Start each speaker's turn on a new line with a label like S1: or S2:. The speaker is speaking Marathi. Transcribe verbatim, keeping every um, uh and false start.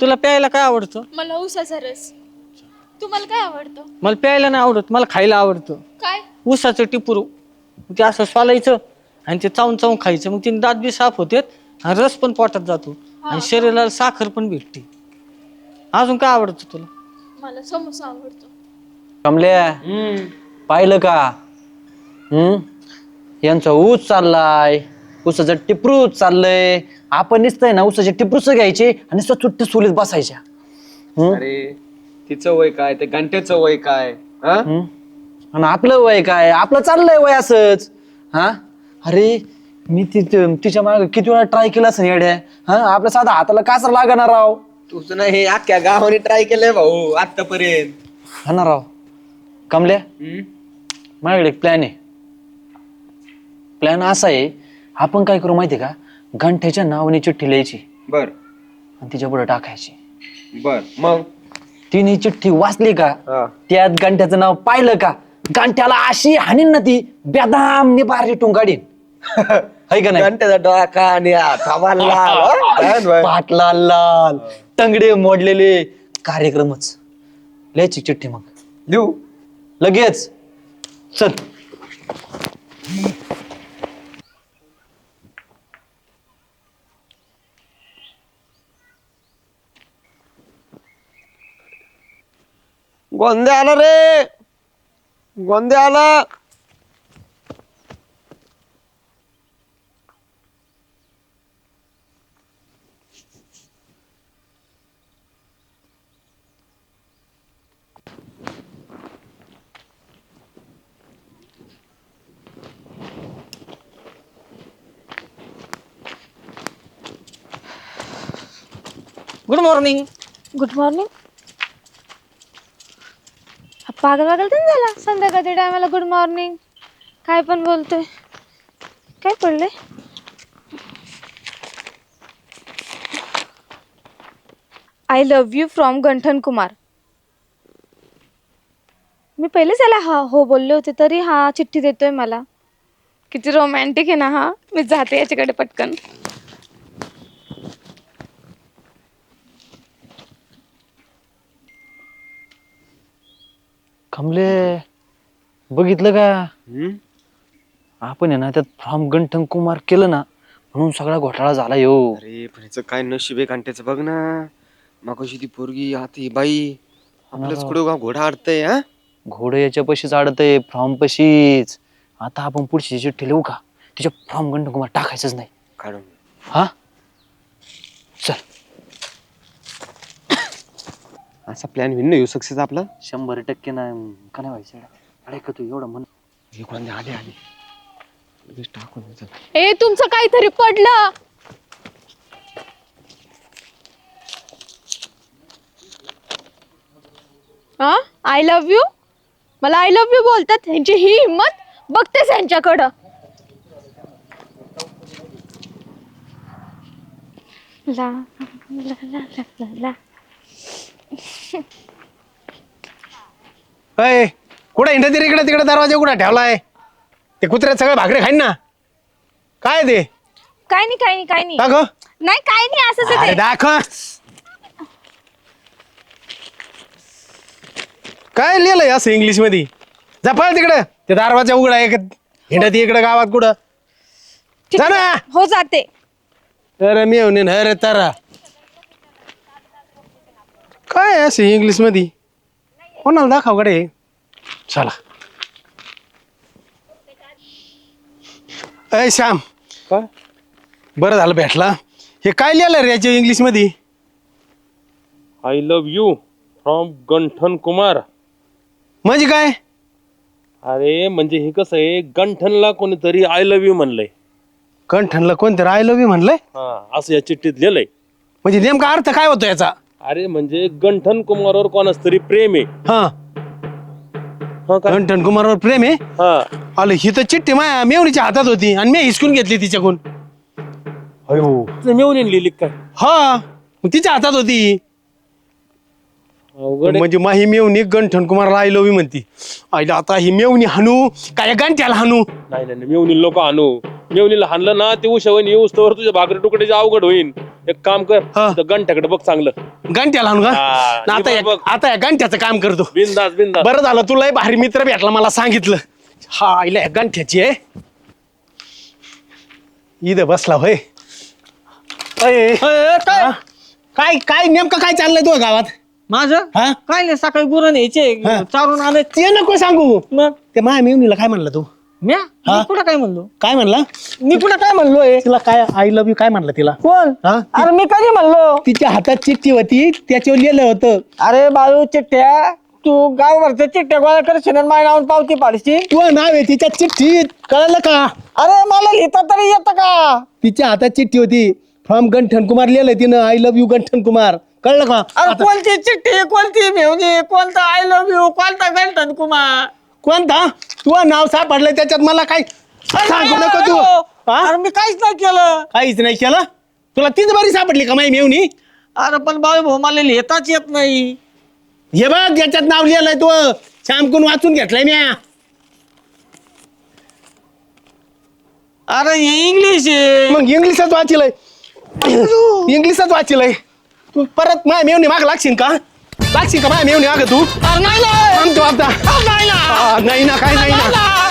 S1: तुला प्यायला काय आवडतं?
S2: मला ऊसाचा रस. तुम्हाला काय आवडतं?
S1: मला प्यायला नाही आवडत, मला खायला आवडतं.
S2: काय?
S1: ऊसाचं टिपूर. ते असं सोलायचं आणि ते चावून चावून खायचं, मग तिने दात बी साफ होते आणि रस पण पोटात जातो आणि शरीराला साखर पण भेटते. अजून काय आवडतं तुला?
S2: मला समोसा आवडतो.
S3: कमल्या पाहिलं का? हम्म यांचा ऊस चाललाय, ऊसाचं टिपरूच चाललंय. आपण नुसतंय ना ऊसाचे टिपरूच घ्यायचे आणि नुसतं चुट्ट सोलीत बसायच्या.
S4: अरे तिचं वय काय, ते घंट्याचं वय काय? हा?
S3: हम्म? आणि आपलं वय काय? आपलं चाललंय वय असंच. हा अरे मी ति तिच्या मागे किती वेळा ट्राय केला असं येड्या. हा आपल्या साधा हाताला कासर लागणार राव.
S4: तुझं ना हे अख्ख्या गावाने ट्राय केलंय भाऊ आतापर्यंत.
S3: हा ना राव. कमल्या माझ्याकडे एक प्लॅन आहे. प्लॅन असा आहे, आपण काय करू माहितीये का? गंठ्याच्या नावाने चिठ्ठी लिहायची
S4: बर
S3: आणि तिच्या पुढे टाकायची.
S4: बर मग
S3: तिने चिठ्ठी वाचली का?
S4: हा.
S3: त्यात गंठ्याचं नाव पाहिलं का? गंठ्याला अशी हाणीन ना ती बेदाम निबार रेटून काढीन. है का नाही?
S4: घंट्याचा डोका आणि थवा लाल, हा?
S3: पाटला लाल, टंगडे मोडलेले, कार्यक्रमच. लिहायची चिठ्ठी मग
S4: लिहू.
S3: लगेच. चल.
S4: गोंदे आला रे, गोंदे आला.
S1: Good morning.
S2: Good morning. पागल पागल तर झाला संध्याकाळच्या टायमाला गुड मॉर्निंग. काय पण बोलतोय. काय पडलंय? I love you from Ganthan Kumar. मी पहिलेच याला हा हो बोलले होते तरी हा चिठ्ठी देतोय मला. किती रोमॅन्टिक आहे ना हा. मी जाते याच्याकडे पटकन.
S3: कमले बघितलं का? आपण आहे ना त्यात फ्रॉम गंठन कुमार केलं ना म्हणून सगळा घोटाळा झाला यो.
S4: अरे पण हिचं काय नशीब आहे घंट्याचं बघ ना. मगाशी ती पोरगी आता ही बाई आपलंच कुठं गाव घोडा अडतंय. हा
S3: घोडे याच्या पशीच अडतंय, फ्रॉम पशीच. आता आपण पुढची चिठ्ठी लिहू का? तिच्या फ्रॉम गंठन कुमार टाकायचंच नाही.
S4: काढून.
S3: हा चल.
S4: असा प्लॅन होईल ना येऊ सक्सेस आपला.
S3: शंभर टक्के नाही का नाही व्हायचं. अरे का तू एवढं म्हण.
S4: हे गोंदे आले आले लगेच टाकून दे, चल.
S2: ए तुमचं काहीतरी पडलं. हा आय लव्ह यू. मला आय लव्ह यू बोलतात. ह्यांची ही हिंमत बघतेस यांच्याकडं. ला ला ला ला ला ला.
S5: अय कुठे हिंडत इकडे तिकडे दरवाजा कुठे ठेवलाय? ते कुत्र्यात सगळे भाकरी खाईन ना. काय ते?
S2: काय नाही काय नाही काय नाही.
S5: दाखव.
S2: नाही काय नाही असंच आहे
S5: अरे
S2: ते.
S5: दाखव. काय लिहिलंय असं इंग्लिश मध्ये? जपाळ तिकडे ते दरवाजा उघडा आहे. हिंडत इकडे गावात कुठं? जा ना.
S2: हो जाते.
S5: अरे मी येऊन अरे तारा काय आहे असं इंग्लिश मध्ये? कोणाला दाखव कडे. चला. अय श्याम,
S4: काय?
S5: बरं झालं भेटला. हे काय लिहिलं रे याच्या इंग्लिश मध्ये?
S6: I love you from Ganthan Kumar.
S5: म्हणजे काय?
S6: अरे म्हणजे हे कसं आहे, गंठनला कोणीतरी आय लव्ह यू म्हणलंय.
S5: कंठनला कोणतं आय लव्ह यू म्हणलंय?
S6: हा असं या चिठ्ठीत लिहिलंय.
S5: म्हणजे नेमका अर्थ काय होतो याचा?
S6: अरे म्हणजे गंठन कुमारवर कोणाच तरी प्रेम आहे.
S5: हा
S6: हा काय?
S5: कंठन कुमारवर प्रेम आहे.
S6: हा
S5: आलं ही तर चिठ्ठी माया मेवणीच्या हातात होती आणि मी हिसकून घेतली तिच्याकडून.
S6: अयो मिळून लिहिली काय?
S5: हा मग तिच्या हातात होती.
S6: अवघड आहे.
S5: म्हणजे माही मेवणी गंठन कुमारला आय लव्ह यू म्हणती. आईला आता ही मेवणी हाणू काय गंठ्याला हाणू?
S6: नाही नाही मेवणी लोक आणू. मेवणीला हाणलं ना ते उशावून येऊस तर तुझ्या भाकरी तुकड्याचे अवघड होईल. एक काम कर
S5: हा.
S6: गंठ्याकडे बघ चांगलं.
S5: गंठ्याला हाणू का?
S6: हा,
S5: ना आता
S6: हे
S5: या-
S6: बघ.
S5: आता या गंठ्याचं काम करतो.
S6: बिंदास बिंदास.
S5: बरं झालं तुला एक भारी मित्र भेटला मला सांगितलं. हा आईला या गंठ्याची आहे. इथं बसला होय. अय,
S1: अय, अय, काय
S5: हा? काय काय नेमकं काय चाललंय तुझ्या गावात?
S1: माझं
S5: हा?
S1: काय नाही सकाळी गुरं न्यायचे
S5: हा.
S1: चारून आले
S5: ते नको सांगू.
S1: मग
S5: ते माया मेवणीला काय म्हणलं तू?
S1: म्या
S5: हा?
S1: मी कुठं काय म्हणलो
S5: काय म्हणला?
S1: मी कुठं काय म्हणलोय
S5: तिला काय आय लव्ह यू काय म्हणलं तिला?
S1: कोण
S5: हा?
S1: अरे मी कधी म्हणलो
S5: तिच्या हातात चिठ्ठी होती त्याच्यावर लिहिलं होतं.
S1: अरे बाळू चिठ्ठ्या तू गावभरच्या चिठ्ठ्या गोळा करशील आणि माझ्या नावावर पावती पाडशी.
S5: तू नाव आहे तिच्या चिठ्ठीत कळलं का?
S1: अरे मला लिहिता तरी येतं का?
S5: तिच्या हातात चिठ्ठी होती फ्रॉम गंठन कुमार लिहिलंय तिनं I love you Ganthan Kumar. कळलं का?
S1: अरे कोणती चिठ्ठी कोणती मेवणी कोणता आय लव्ह यू कोणता गंठन कुमार?
S5: कोणता? तू नाव सापडलंय त्याच्यात मला काय सांगू नको तू. हा?
S1: अरे मी काहीच नाही केलं.
S5: काहीच नाही केलं. तुला तीच बरी सापडली का माई मेवणी?
S1: अरे पण बाळू भाऊ मला लिहिताच येत नाही.
S5: हे बघ याच्यात नाव लिहिलंय तू श्यामकून वाचून घेतलंय म्या.
S1: अरे हे इंग्लिश आहे.
S5: मग इंग्लिशच वाचिलंय. इंग्लिशच वाचिलंय. तू परत माय मेवणी माग लागशील का? लागशील का माय मेवणी माग तू?
S1: अरे नाही ना.
S5: थांबतो आता.
S1: अरे नाही ना.
S5: हा, नाही ना काय नाही ना.